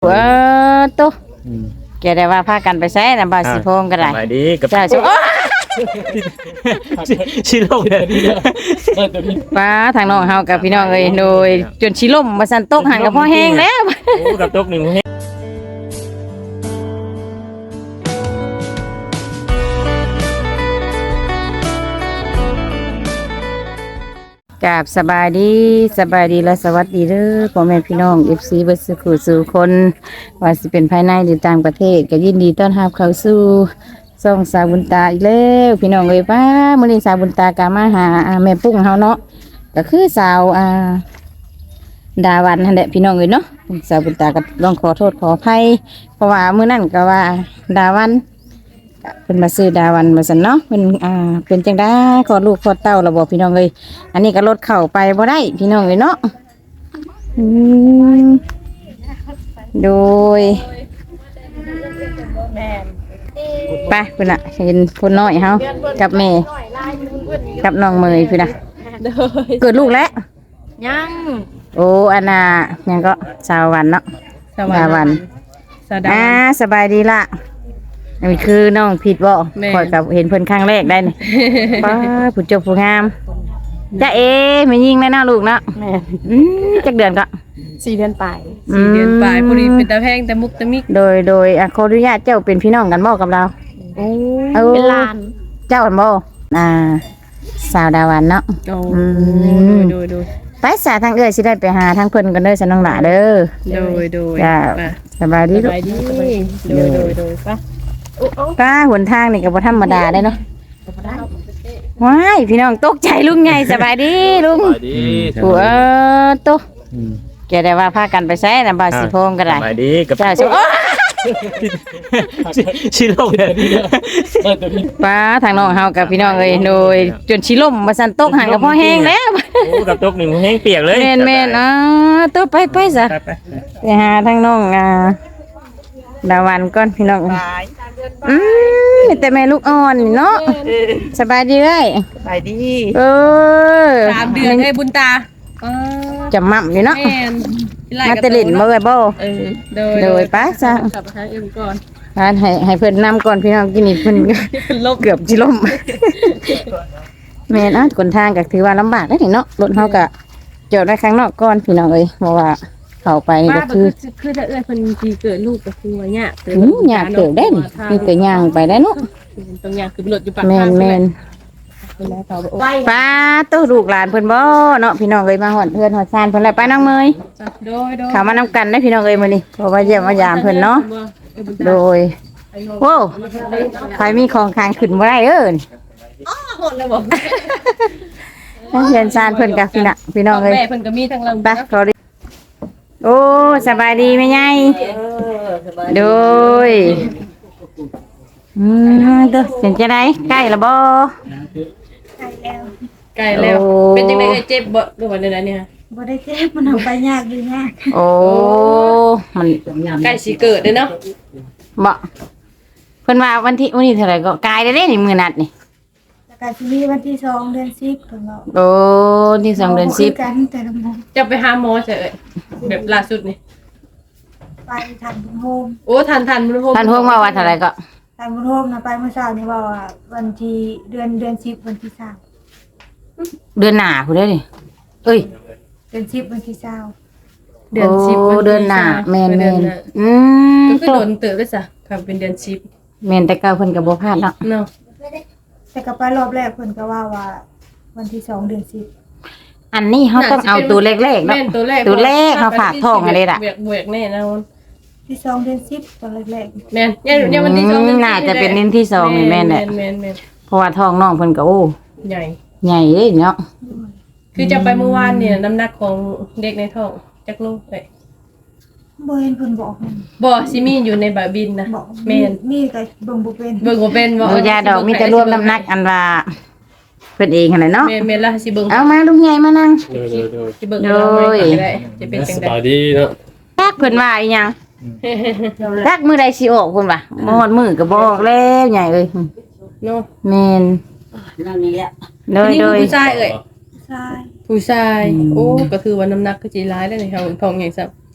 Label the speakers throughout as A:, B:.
A: เออตุ๊แกได้ว่าพากันไปใช้นะบ่าวสิพงก็ได้
B: สบายดีกับ
A: เจ้าสิโอ้
B: ชิโร่เนี่ย
A: ป้าทางน้องเฮากับพี่น้องเอ้ยโดยจนสิล่มบ่ซั่นตกหันกับพ่อแห้งแล้ว
B: โอ้กับตกหนึ่งให้
A: กับสบายดีและสวัสดีเด้อพ่อแม่พี่น้อง FC เบิดสุขสู่คนว่าสิเป็นภายในหรือต่างประเทศก็ยินดีต้อนรับเข้าสู่ช่องสาวบุญตาอีกแล้วพี่น้องเอ้ยป้ามื้อนี้สาวบุญตากะมาหาแม่ปุ้งเฮาเนาะก็คือสาวดาวันนั่นแหละพี่น้องเอ้ยเนาะสาวบุญตาก็ต้องขอโทษขออภัยเพราะว่ามื้อนั้นก็ว่าดาวันเพิ่นมาซื้อดาวันมาซั่นเนาะเพิ่นเป็นจังได๋ขอลูกขอเต้าระบบพี่น้องเอ้ยอันนี้ก็รถเข้าไปบ่ได้พี่น้องเอ้ยเนาะโดยไปพุ่นน่ะเห็นพุ่นน้อยเฮากับแม่กับน้องเมยพุ่นน่ะเกิดลูกแล้ว
C: ยัง
A: โอ้อันน่ะยังก็สาววันเนาะดาวันสบายดีล่ะอันนี้คือน้องผิดบ่คอยกับเห็นเพิ่นครั้งแรกได้นี่ ป้าผู้จบผู้งามจ้าไม่ยิงแน่น่าลูกเนาะจักเดือนก็
C: 4 เดือนปลาย4 เดือนปลายพอดีเป็นตาแพงแต่มุกตะมิก
A: โดยขออนุญาตเจ้าเป็นพี่น้องกันบ่กับเรา
C: เป็นหลาน
A: เจ้ากันบ่สาวดาวันเนาะ
C: โดย
A: ไปสาทางเอื้อยสิได้ไปหาทางเพิ่นกันเด้อฉันน้องหล่าเด้อ
C: โดย
A: จ้าสบายดี
C: โดยป่ะ
A: ป้าหนทางนี่ก็บ่ธรรมดาได้เนาะว้ายพี่น้องตกใจลุงไงสบายดีลุง
B: สบายดี
A: หัวโตแกได้ว่าพากันไปใช้นะบ่าวสิพงก็ได้
B: สบายดีกับ
A: เจ้าสิโอ้
B: ชิโร่เนี่ย
A: ป้าทางน้องเฮากับพี่น้องเอ้ยโดยจนสิล่มบ่ซั่นตกหันกับพ่อแห้งแล้ว
B: โอ้กับตกหนึ่งแห้งเปียกเลย
A: แม่นโตไปซะไปหาทางน้องดาวันก่อนพี่น้องแต่แม่ลูกอ่อนเนาะสบายดีเลย
C: สบายดี3 เดือนให้บุญตา
A: จำมั่มอยู่เนาะมาเตลินมาเลยบ่โดยป้าซะ
C: กลับหาเอ็มก่อน
A: ให้เพิ่นนำก่อนพี่น้องกินนี่เพิ่นเกือบสิล่มแม่นะคนทางก็ถือว่าลำบากได้เนาะรถเฮาก็จอดไว้ข้างนอกก่อนพี่น้องเอ้ยเพราะว่าเข้าไปก็คือ
C: ถ้าเพิ่นสิเกิดลูกก็คือว่า
A: ยากเกิดได้มีแต่ย่างไปได้เนาะ
C: ตรงย่างคือรถอยู่ปาก
A: ทางแม่นป้าตู้ลูกหลานเพิ่นบ่เนาะพี่น้องเอ้ยมาฮอดเพิ่นฮอดซานเพิ่นแล้วไปน้องเมยเข้ามานำกันได้พี่น้องเอ้ยมื้อนี้เพราะว่าเยี่ยมมายามเพิ่นเนาะโดยโอ้ใครมีของค้างขึ้นบ่ได้
C: หมดแล้วบ่
A: เรียนซานเพิ่นกับพี่น้องเอ้ย
C: แม่เพิ่นก็มีทั้งลำ
A: ไปขอดิโอ้สบายดีแม่ใหญ่โดยเด้อเป็นจังได๋ใกล้แล้วบ่
C: ใกล้แล้วเป็นจังได๋เจ็บบ่หรือว่าจังได๋เนี่ย
D: บ่ได้เจ็บมันเอาไปยากดียาก
A: โอ้มัน
C: ใกล้สิเกิดเด้อเนาะ
A: บ่เพิ่นว่าวันที่เท่าไหร่ก็กายได้นี่มื้อนัดนี่
D: แล้วก็สิมีวันที่2 เดือน 10เพิ่นเนาะ
A: โอ้ที่2 เดือน 10
D: กันแต่ละมื้อ
C: จะไปหาหมอซะเอ้ยแบบล่าสุดนี่
D: ไปทันบุญโฮม
C: โอ้ทันบุญโฮม
A: ทันโฮมว่าเท่าไหร่ก็
D: ทันบุญโฮมนะไปเมื่อเช้านี่ว่าวันที่เดือน10วันที่
A: 3เดือนหน้าพุ่นเด้อนี่เอ้ย
D: เดือน10วันที่20
C: เดือน10
A: เดือนหน้าแม่น
C: ก็คือโดนเติบด้วยซะครับเป็นเดือน10
A: แม่นแต่เก่าเพิ่นก็บ่พลาดเนาะ
D: แต่ก็ไปรอบแรกเพิ่นก็ว่าวันที่2 เดือน10
A: อันนี้เฮาต้องเอาตัวเลขๆเนาะตัวเลขเฮาฝากท้องอะไรล่ะ
C: เวียกแน่นะ
D: ที่2 เดือน10ตอนแรก
C: ๆแม่นเนี่ยวันที่2เดือน
A: น่าจะเป็นเดือนที่2นี่แม่นแหละเพราะว่าท้องน้องเพิ่นก็โอ้
C: ใหญ่
A: เด้เนาะ
C: คือจะไปเมื่อวานเนี่ยน้ำหนักของเด็กในท้องจักโลไป
D: บ่เห็นเพิ่นบอก
C: บ่สิมีอยู่ในบาบินนะแม่น
D: มีก็เบิ่งบ่เป็น
A: บ่ยาดอกมีแต่รวมน้ำหนักอันว่าเพิ่นเองหั่นแหละเนาะ
C: แม่นล่ะสิเบิ่ง
A: เอามาลุงใหญ่มานั่ง
C: สิเบิ่งก็ได้จะเป็นจังได๋
B: สบายดีเนาะ
A: จักเพิ่นว่าอีหยังจักมื้อใดสิออกเพิ่นว่าบ่ฮอดมื้อก็บอกแล้วใหญ่เอ้ย
C: เนาะ
A: แม่นนั่นนี่แหละโดย
C: ผู้ชายโอ้ก็คือว่าน้ำหนักก็สิหลายแล้วนี่ค่ะท้องใหญ่ซับ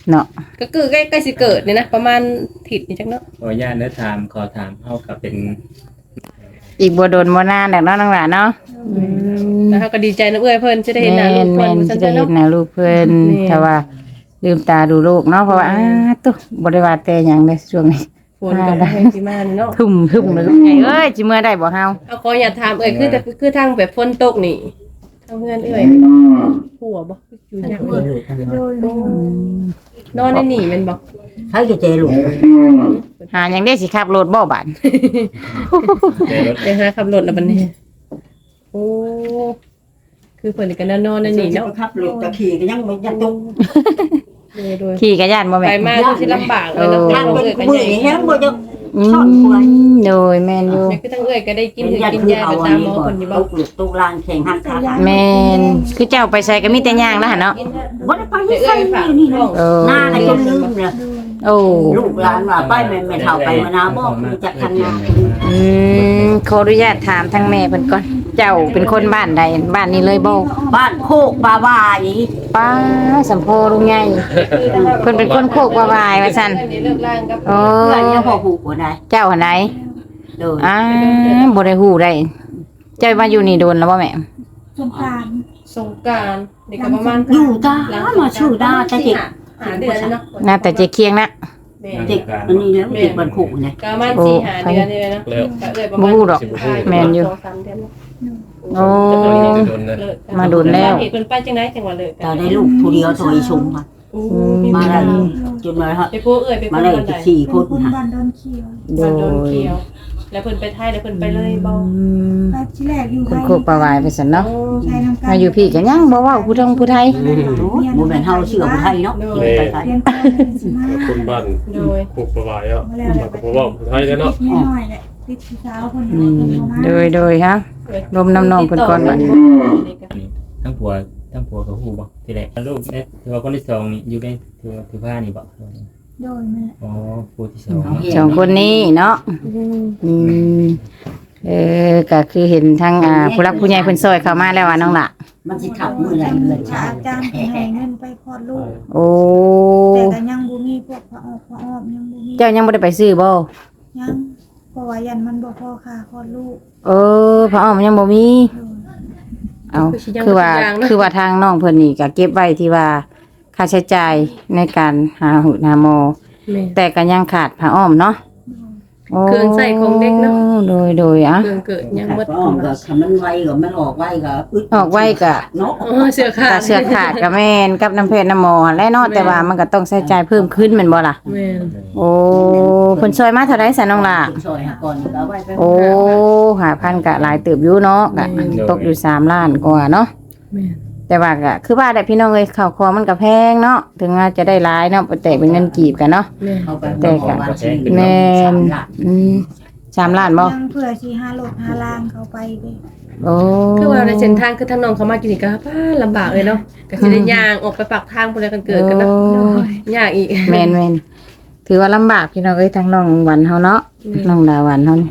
A: เนาะ
C: ก็คือใกล้สิเกิดเนี่ยนะประมาณถิดนี่จักเนาะ
B: ขออนุญาตเนื้อถามขอถามเฮากับเป็น
A: อีกบ่โดนบ่นานแล้วเนาะน้องหลานเนาะ
C: แล้วเขาก็ดีใจนะเอ้ยเพิ่นจะได้เห็นหน้าลูก
A: แม่
C: เพิ่น
A: น
C: ว่า
A: สิ
C: ซั่น
A: ได้
C: เนาะ
A: เห็นหน้าลูกเพิ่น
C: แม่น
A: แต่ว่าลืมตาดูลูกเนาะเพราะว่าตุ๊บ่ได้ว่าแต่หยังเลยช่วงนี้
C: ฝนก็บ่ให้สิมาเนาะ
A: ทุ่มเลยไงเอ้ยสิเมื่อได้บ่เฮา
C: เอาขออย่าถามคือทางแบบฝนตกนี่ทางเพื่อนหัวบ่อยู่ยากบ่
D: โดย
C: นอนในนี่แม่นบ่
E: ใช้จะเจลูก
A: หาหยังได้สิขับรถบ่บาด
B: เจอรถ
C: ไปหาขับรถแล้วบัดนี้โอ้คือเพิ่นก็นอนในนี่เนาะ
E: ขับรถตะขี่ก็ยังไม่ยันตุก
C: โดย
A: ขี่กระยานบ่
C: ไป
A: แม่น
C: มาก็สิลำบากเลยเนาะ
E: ทาง
C: เอ้
E: เป็น
C: ยก็
E: มือ
C: ใหญ่
E: นี่แฮงบ่จะ
A: อื
E: ชอบป่วย
A: มโดยแม่นอยู่
C: นี่คือทั้งเอ้ยก็ได้กิน
E: เป็น
C: ถือ
E: ยัน
C: กิน
E: คือย
C: า
E: เอา
C: ไป
E: อัน
C: ตามห
E: นี้
C: มอ
E: ก่อ
C: เพิ่
E: น
C: นอยู่บ่
E: ตุกลูกตุกลางแข่งหักขา
A: แม่นคือเจ้าไปใส่ก็มีแต่ย่างแล้วหั่นเนาะ
E: บ่ได้ไปใส่นี่นะ
A: เออ
E: หน้าก็จนลืมเลย
A: โอ้
E: ลูกหลานว่าไปแม่เฒ่าไปมานาบ่รู้จักทางนา
A: ขออนุญาตถามทางแม่เพิ่นก่อน เจ้าเป็นคนบ้านใดบ้านนี้เลยบ่
E: บ้านโคกปลาวาย
A: ป้าสัมโพลุงใหญ่เพิ่นเป็นคนโคกว่าๆว่าซั่น
C: นี่เลิกล่างกับ
A: โอ้
E: เพื่อนยังพอหูบ่ได้
A: เจ้าหันไหน
E: โดย
A: บ่ได้ฮู้ได้ เจ้ามาอยู่นี่โดนแล้วบ่แม่
D: สงกรานต์
C: สงกรานต์นี่ก็ประมาณ
E: อยู่ตามาชื่อดาแต่เด็ก
C: หาเดือนเนาะ
A: น่าแต่เจเคียงนะ
E: เด็กอันนี้แล้วเด็กบ้านโคกเนี่ย
C: ก็ประมาณ4-5เดือนนี่เลยเนาะก็เลยประมาณ
A: บ่ฮู้ดอกแม่นอยู่
C: 2-3เดือน
A: โอ้
C: เลิก
A: มาโดนแล้ว
C: เหตุเพิ่นไปจังได๋จังว่าเลิก
E: แต่ได้ลูกผู้เดียวโถยชุมมา มาได้จนมาฮะ
C: ไปผู้เอ้ยไป
E: มา
C: ผู้
E: ได้
C: คนใด
E: 4 คน
D: คน
E: ค่ะ
D: บ้านดอนเขียว
A: โด
C: บ้านโดน
A: ย
C: เกี่ยว แล้วเพิ่นไปไทยแล้วเพิ่นไปเลยบ่
D: ไปที่แรกอยู่
A: คนโคกปลาวายไปซั่นเนาะ
D: ใช้น้ำกัน
A: มาอยู่พี่ก็ยังบ่เว้าผู้ทงผู้ไทย
E: โอ้ยบ่แม่นเฮาเชื่อผู้ไทยเนาะไปไทย
D: เรียนก่อนสิมา
F: คนบ้าน
C: โดย
F: ผูกประวายอ่ะมันก็บอกว่าไทยแล้วเนาะ
D: ติดนิดหน่อยแหละติดผู้สาวคน
A: อื
D: เดียว
A: ม
D: คนเดียวมา
A: โดยฮะ รวมน้ำนองเพิ่นก่อนบัด
B: ทั้งผัวกับฮู้บ่ที่แรกลูกเนี่ยถือว่าคนที่สองนี่อยู่ในถือผ้านี่บ่
D: โดยแม่
B: อ๋อผู้ที่สองเนาะ
A: สองคนนี้เนาะอืมก็คือเห็นทางผู้รักผู้ใหญ่เพิ่นซอยเข้ามาแล้วว่าน้องล่ะ
E: มันสิขับมือไหนเงินชา
D: อาจารย์ให้เงินไปคลอดลูก
A: โอ้
D: แต่ก็ยังบ่มีพวกพระออกพระออบยังบ่มี
A: เจ้ายังบ่ได้ไปซื้อบ่
D: ยังเพราะว่ายันมันบ่พอค่าคลอดลูก
A: พระอ้อมยังบ่มี
D: โดย
A: เอาคือว่าทางน้องเพิ่นนี่ก็เก็บไว้ที่ว่าค่าใช้จ่ายในการหาหุหาหมอ
C: แม่
A: แต่ก็ยังขาดผ้าอ้อมเนาะโ
C: เครื่องใส่ของเด็กเนาะ
A: โดยอ่ะ
C: เครื่องเกิดยังหมด
E: อ้อมก็คำมันไวก็มันออกไวก็อึด
A: ออกไว้ก็
E: เนาะ
C: เสื้อขา
A: ก็
C: ด
A: เสื้อขาดก็แม่นกับน้ำเพชรน้ำหมอและเนาะแต่ว่ามันก็ต้องใช้จ่ายเพิ่มขึ้นแม่นบ่ล่ะ
C: แม่น
A: โอ้เพิ่นช่วยมาเท่าไดซะน้องล่ะ
E: ซอยหาก่อนก็ไว้ไป
A: โอ้5,000ก็หลายเติบอยู่เนาะก็ตกอยู่3ล้านกว่าเนาะ
C: แม่น
A: แต่ว่าก็คือว่าได้พี่น้องเอ้ยข้าวของมันก็แพงเนาะถึงว่าจะได้หลายเนาะแต่เป็นเงินกีบกันเนาะ
C: แม่น
E: เอาไปวันที่
A: แม่น3ล้านบ่
D: ยังเพื่อสิหารถหาล่างเขาไปเด้
A: โอ้
C: คือว่าในเส้นทางคือทางน้องเขามากินนี่ก็ป้าลำบากเลยเนาะก็สิได้ย่างออกไปปากทางพุ่นแล้วกันเกิดกันเนาะยากอีก
A: แม่นถือว่าลำบากพี่น้องเอ้ยทางน้องวันเฮาเนาะน้องดาวันเฮานี่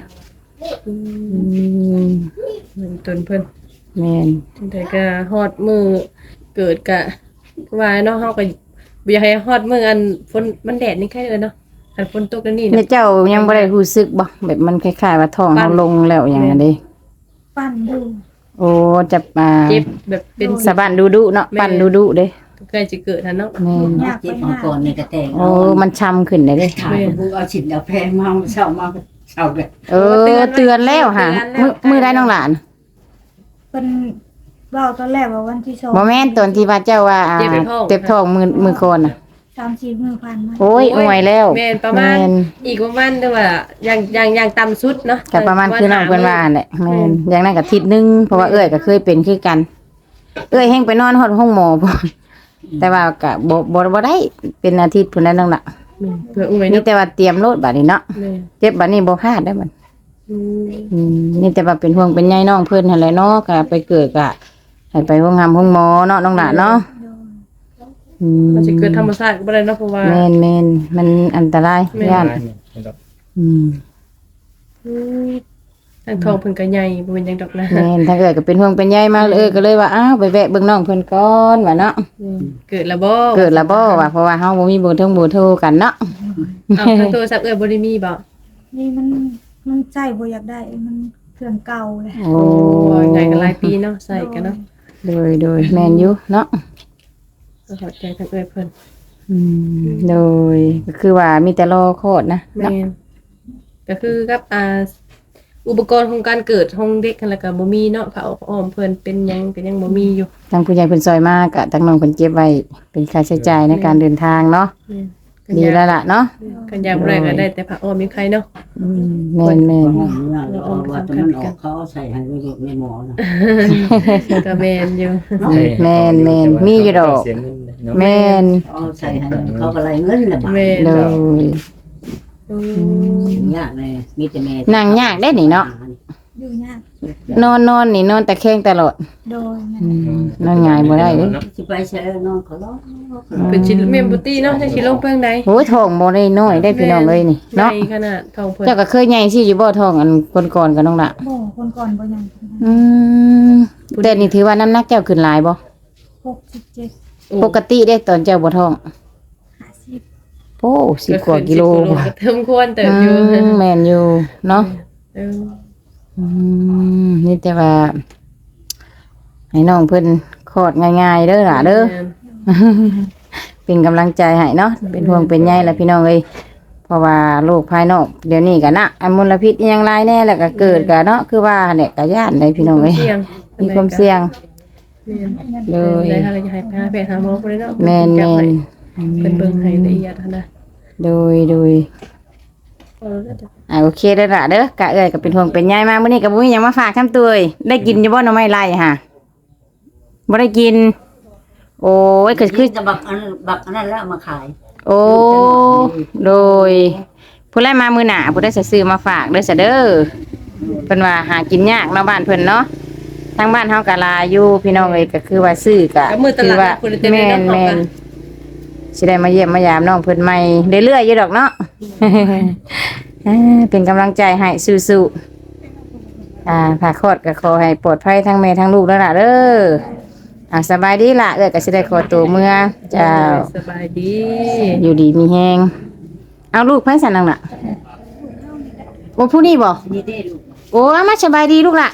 A: ม
C: เหมือนตนเพิ่น
A: แม่น
C: แต่ก็ฮอดมือเกิดกะว่าเนาะเฮาก็บ่อยากให้ฮอดมืออันฝนมันแดดนี่แค่เลยเนาะคันฝนตกแล้วนี่
A: เนี่ย
C: เนาะ
A: เจ้ายังบ่ได้รู้สึกบ่แบบมันคล้ายๆว่าท้องเฮาลงแล้วอย่างนั้นเด้
D: ปั้นดู
A: โอ้จะ
C: เจ็บแบบเป็น
A: สะบันดุๆเนาะปั่นดุๆเด้
C: ใกล้จะเกิดทันเนาะ
A: แม่น
D: อยาก
E: เจ็
D: ไป
E: บมา
D: หา
E: ก่อนนี่ก็แต่ง
A: โอ้มันช้ำขึ้นได้เด้
E: ถ่ายกูเอาฉินเอาแพงมาเช้ามาเช้าเลย
A: เตือนแล้วค่ะมื้อได้น้องหลาน
D: เพิ่นเว้าตอนแรกว่าวันที่2
A: บ่แม่นตอนที่ว่าเจ้าว่าเจ็บท้องมือก่อนน่ะ
D: 30มื้อผ่านมา
A: โอ้ยอวยแล้ว
C: แม่นประมาณอีกประมาณเด้อว่าอย่างต่ำสุดเนาะ
A: ก็ประมาณคือน้องเพิ่นว่าแหละแม่นอย่างนั้นก็อาทิตย์นึงเพราะว่าเอ้ยก็เคยเป็นคือกัน เอ้ยแฮงไปนอนฮอดห้องหมอบ่แต่ว่าก็บ่ได้เป็นอาทิตย์พุ่นนั้นน้องล่ะ
C: เพื่ออุ้ย
A: มี
C: เนาะ
A: แต่ว่าเตรียมโลดบัดนี้เนาะ
C: แม่
A: เจ็บบัดนี้บ่พลาดได้อมัน
C: อืม
A: นี่แต่ว่าเป็นห่วงเป็นใยน้องเพิ่นหั่นแหละเนาะก็ไปเกิดก็ให้ไปห้องหมอเนาะน้องล่ะเนาะอืม
C: มันสิเกิดธรรมชาติก็บ่ได้เนาะเพราะว่า
A: แม่นมันอันตราย
C: แม่น
A: ย่าน
B: เนาะ
A: อืม
C: อืมทางทองเพิ่นก็ใหญ่บ่เป็นหยังดอกนะ
A: แม่นถ้าเกิดก็เป็นห่วงเป็นใยมาก็เลยว่าอ้าวไปแวะเบิ่งน้องเพิ่นก่อนว่าเนาะ
C: เกิดแล้วบ่
A: เกิดแล้วบ่ว่าเพราะว่าเฮาบ่มีเบอร์โทรกันเนาะ
C: เอาทางโทรศัพท์บ่ได้มีบ่
D: นี่มันใจบ่อยากได้มันเครื่องเก่าเลย
A: โอ้
C: โอ้ยไงก็หลายปีเนาะใส่กันเนาะ
A: โดยแม่นอยู่เนาะ
C: ก็เข้าใจทางเพิ่น
A: โดยก็คือว่ามีแต่รอโคตรนะ
C: แม่นก็คือกับอุปกรณ์ของการเกิดของเด็กกันแล้วก็บ่มีเนาะผ้าอ้อมเพิ่นเป็นหยังก็ยังบ่มีอยู่
A: ทางผู้ใหญ่เพิ่นซอยมากกะทางน้องเพิ่นเก็บไว้เป็นค่าใช้จ่ายในการเดินทางเนาะ
C: แม่น
A: ดีแล้วล่ะเนาะ
C: กันยามแรกก็ได้แต่ผ้าอ้อมมีใครเนาะ
A: แม่น
E: ว่าตอนนั้นออกเขาใส่ให้ลูกในหมอนะ
C: ก็แม่นอยู่
A: แม่นมีอยู่ดอก
B: เสียเงินเนาะ
A: แม่น
E: เขาใส่ให้เขาก็ไล่เงินละบาท
C: แม่น
A: โดย
E: ยากเลยมีแต่แม่
A: นั่งยากได้นี่เนาะ
D: อยู่ยาก
A: นอนนี่นอนแต่แข้งตลอด
D: โดย
A: นอนง่ายบ่ได้เด้
E: สิไปใช้นอนเขาล้อ
C: เป็นชิแม่นบ่ตีเนาะจังสิลงเพิ่งใด
A: โอ้ยท้องบ่ได้น้อยได้พี่น้องเอ้ยนี่เนาะ
C: ใหญ่ขนาดทองเพิ่น
A: เจ้าก็เคยใหญ่สิอยู่บ่ท้องอันก่อนๆกับน้องละ
D: บ่คนก่อนบ่ยัง
A: แต่นี่ถือว่าน้ำหนักเจ้าขึ้นหลายบ่
D: 67
A: ปกติได้ตอนเจ้าบ่ท้อง
D: 50
A: โอ้10กว่ากิโล
C: ก็เทิมควรเติบอยู่
A: แม่นอยู่เนาะ
C: เออ
A: นี่แต่ว่าให้น้องเพิ่นคลอดง่ายๆเด้อล่ะเด้อเป็นกำลังใจให้เนาะเป็นห่วงเป็นใยแหละพี่น้องเอ้ยเพราะว่าโรคภายนอกเดี๋ยวนี้ก็นะอันมลพิษอิหยังหลายแน่แล้วก็เกิดก็เนาะคือว่าเนี่ยก็ย่านได้พี่น้องเอ้ย
C: เสี่ยง
A: มีความเสี่ยง
C: เล
A: เลย
C: ได้ถ้าเราจะให้พาไปหาหมอบ่ได้เนาะ
A: แม่น
C: จับให้
A: ๆ
C: เป็นเบิ่งให้ละเอียดหั่นนะ
A: โดย โอเคเด้อล่ะเด้อกะเอ้ยก็เป็นห่วงเป็นใยมากมื้อนี้ก็บ่มีหยังมาฝากคำตัวเอ้ยได้กินอยู่บ่หน่อไม้ไล่ค่ะบ่ได้กิน โอ้ยก็คือ
E: จะบักอันนั้นแล้วมาขาย
A: โอ้ โดย ผู้ใดมามื้อหน้าผู้ใดสิซื้อมาฝากเด้อซะเด้อเพิ่นว่าหากินยากเนาะบ้านเพิ่นเนาะทางบ้านเฮาก็หลายอยู่พี่น้องเอ้ยก็คือว่าซื้อก็
C: ก็มือต
A: คือ
C: ลาด
A: ว่า
C: คุณจะได้
A: แม่
C: เนาะ
A: นแม่นสิได้มาเยี่ยมมายามน้องเพิ่นใหม่เรื่อยๆอยู่ดอกเนาะ เป็นกำลังใจให้สู้ๆผ่าคลอดก็ขอให้ปลอดภัยทั้งแม่ทั้งลูกแล้วล่ะเด้อสบายดีล่ะก็สิได้ขอตัวเมื่อเจ้า
C: สบายดี
A: อยู่ดีมีแฮงเอาลูกไผสั่นนั่งน่ะโอ้ผู้นี้บ่
E: นี่ได้ลูก
A: โอ้เอามาสบายดีลูกล่ะ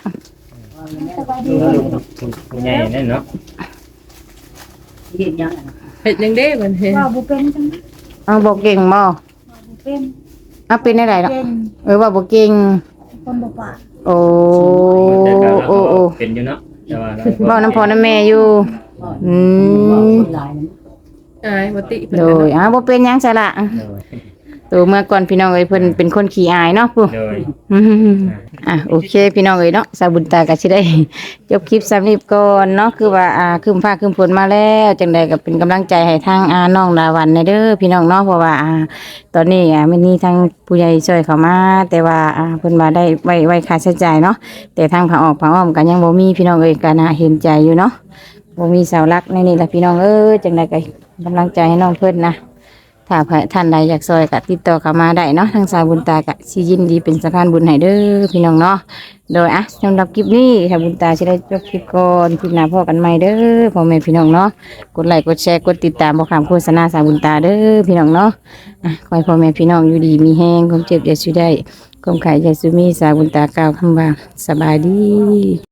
B: ผู้ใหญ่นั่นเนาะ
E: เห็นยัง
C: เฮ็ดยังเด้บัดนี้
D: ว่าบ่เป็นจัง
A: เอาบ่เก่งบ่
D: บ่เป็น
A: เอาเป็นได้เนาะ
D: เป็น
A: ว่าบ่เก่ง
D: คนบ่ปาก
A: โอ้
B: แต่ก็
A: โอ้โอ้
B: เป็นอยู่เนาะแต่ว่าเรา
A: บ่น้ำพ่อน้ำแม่อยู่อืม
E: คนหลาย
C: อายบ่ติเพิ่น
A: โดยบ่เป็นหยังซะล่ะ
B: โดย
A: ตัวเมื่อก่อนพี่น้องเอ้ยเพิ่นเป็นคนขี้อายเนาะผู้
B: โดย
A: โอเคพี่น้องเอ้ยเนาะสาวบุญตาก็สิได้ จบคลิปสำนี้ก่อนเนาะคือว่าครึ้มฟ้าครึ้มฝนมาแล้วจังใดก็เป็นกำลังใจให้ทางน้องดาวันในเด้อพี่น้องเนาะเพราะว่าตอนนี้ไม่มีทางผู้ใหญ่ช่วยเข้ามา แต่ว่าเพิ่นว่าได้ไว้ค่าใช้จ่ายเนาะแต่ทางผาออกผาอ้อมก็ยังบ่มีพี่น้องเอ้ยก็น่าเห็นใจอยู่เนาะบ่มีเสาหลักในนี่ล่ะพี่น้องเอ้ยจังใดก็กำลังใจให้น้องเพิ่นนะถ้าท่านใดอยากซอยก็ติดต่อเข้ามาได้เนาะทางสาวบุญตาก็สิยินดีเป็นสะพานบุญให้เด้อพี่น้องเนาะโดยสำหรับคลิปนี้สาวบุญตาสิได้จบคลิปก่อนคลิปหน้าพบกันใหม่เด้อพ่อแม่พี่น้องเนาะกดไลค์กดแชร์กดติดตามบ่ข้ามโฆษณาสาวบุญตาเด้อพี่น้องเนาะขอให้พ่อแม่พี่น้องอยู่ดีมีแฮงความเจ็บอย่าสุดได้ความไข่อย่าสุมีสาวบุญตากล่าวคำว่าสบายดี